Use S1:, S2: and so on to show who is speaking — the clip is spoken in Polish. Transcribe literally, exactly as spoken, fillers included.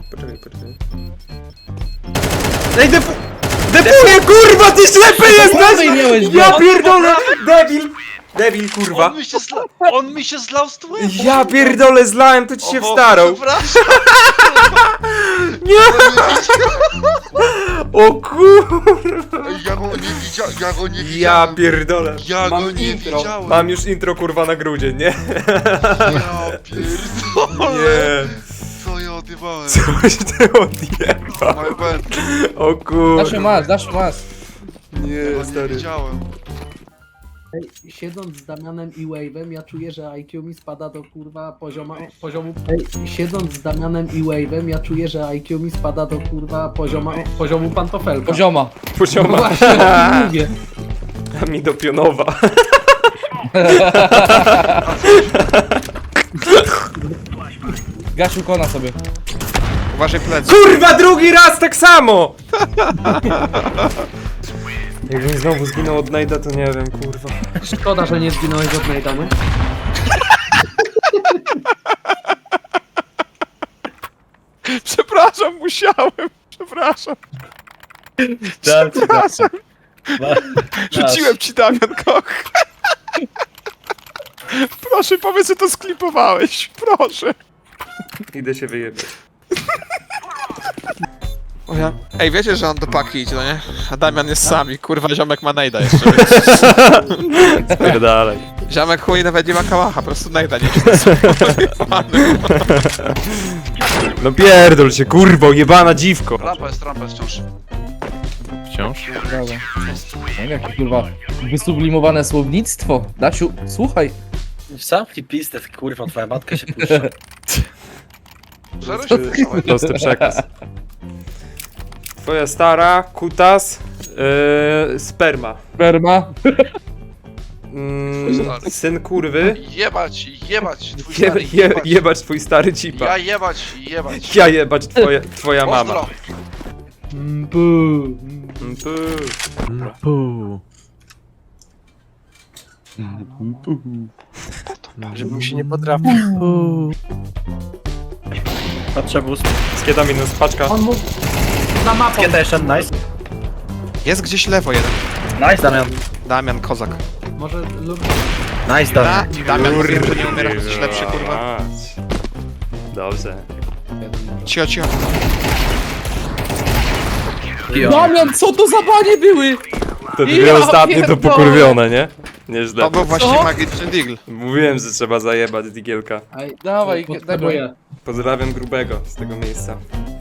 S1: Poczekaj, poczekaj. Ej, defu... Depuję, kurwa, ty ślepy jesteś! Ja pierdolę! Debil! Debil, kurwa.
S2: On mi się zla... On mi się zlał z tłem!
S1: Ja pierdolę, zlałem, to ci się wstarał.
S2: Przepraszam!
S1: Nie! O kurwa!
S2: Ja go nie widziałem, ja go nie
S1: Ja
S2: widziałem!
S1: pierdolę.
S2: Ja go
S3: Mam
S2: nie
S3: intro.
S2: widziałem!
S1: Mam już intro, kurwa, na grudzień, nie?
S2: Ja pierdolę!
S1: Nie.
S2: Co ja odjebałem?
S1: Coś ty odjebał.
S2: My bad.
S1: O kurwa.
S3: Dasz masz, dasz masz.
S2: Ja
S1: Nie,
S2: go nie
S1: stary.
S2: widziałem.
S4: Ej, siedząc z Damianem i Wave'em, ja czuję, że I Q mi spada do kurwa pozioma, poziomu... Ej, siedząc z Damianem i Wave'em, ja czuję, że I Q mi spada do kurwa pozioma, poziomu pantofelka.
S3: Pozioma.
S1: Pozioma.
S4: Właśnie, o tym mówię.
S1: A mi do pionowa.
S3: Gasiu kona sobie.
S2: Uważaj plecy.
S1: Kurwa, drugi raz tak samo! Jakbym znowu zginął od Najda, to nie wiem, kurwa.
S4: Szkoda, że nie zginąłeś od Najdany.
S2: Przepraszam, musiałem. Przepraszam.
S5: Dam ci, dam ci.
S2: Rzuciłem ci, Damian Koch. Proszę, powiedz, że to sklipowałeś. Proszę.
S1: Idę się wyjebać.
S6: O ja. Ej, wiecie, że on do paki idzie, no nie? A Damian jest sami, kurwa, ziomek ma najda jeszcze.
S1: Spierdalaj.
S6: Ziomek chuj nawet nie ma kałacha, po prostu najda nie
S1: No pierdol się, kurwo, jebana dziwko.
S2: Rampa jest, rampa jest wciąż.
S6: Wciąż?
S3: Brawo. No, jakie kurwa wysublimowane słownictwo. Dasiu, słuchaj.
S5: Zamknij pistę, kurwa, twoja matka się puszcza.
S2: Zero się wyszło.
S1: Prosty przekaz. Twoja stara, kutas, yy, sperma.
S3: Sperma.
S1: Mm, syn kurwy.
S2: Jebać, jebać, twój
S1: Je,
S2: stary,
S1: je,
S2: jebać.
S1: jebać twój stary cipa.
S2: Ja jebać, jebać.
S1: Ja jebać twoje, twoja mama.
S2: Pozdro.
S1: Mm, pu.
S5: Żebym się nie potrafił. Patrzę bus.
S1: Skieda minus, paczka.
S4: On mógł za mapą.
S5: Kiedy jeszcze? Nice.
S6: Jest gdzieś lewo jeden.
S5: Nice, Damian.
S6: Damian, kozak.
S4: Może lub...
S5: Nice,
S6: Da,
S5: Damian.
S6: Damian, wiem, że nie umierasz, jesteś lepszy, kurwa.
S1: Dobrze.
S6: Cicho, cicho.
S3: Damian, co to za banie były?
S1: To dwie
S3: Ja
S1: ostatnie to
S3: pierdolę.
S1: pokurwione, nie? Nieźle.
S6: To był właśnie
S3: Co?
S6: magiczny deagle.
S1: Mówiłem, że trzeba zajebać digielka.
S4: Ej,
S3: Dawaj,
S4: potrzebuję.
S1: Pozdrawiam grubego z tego miejsca.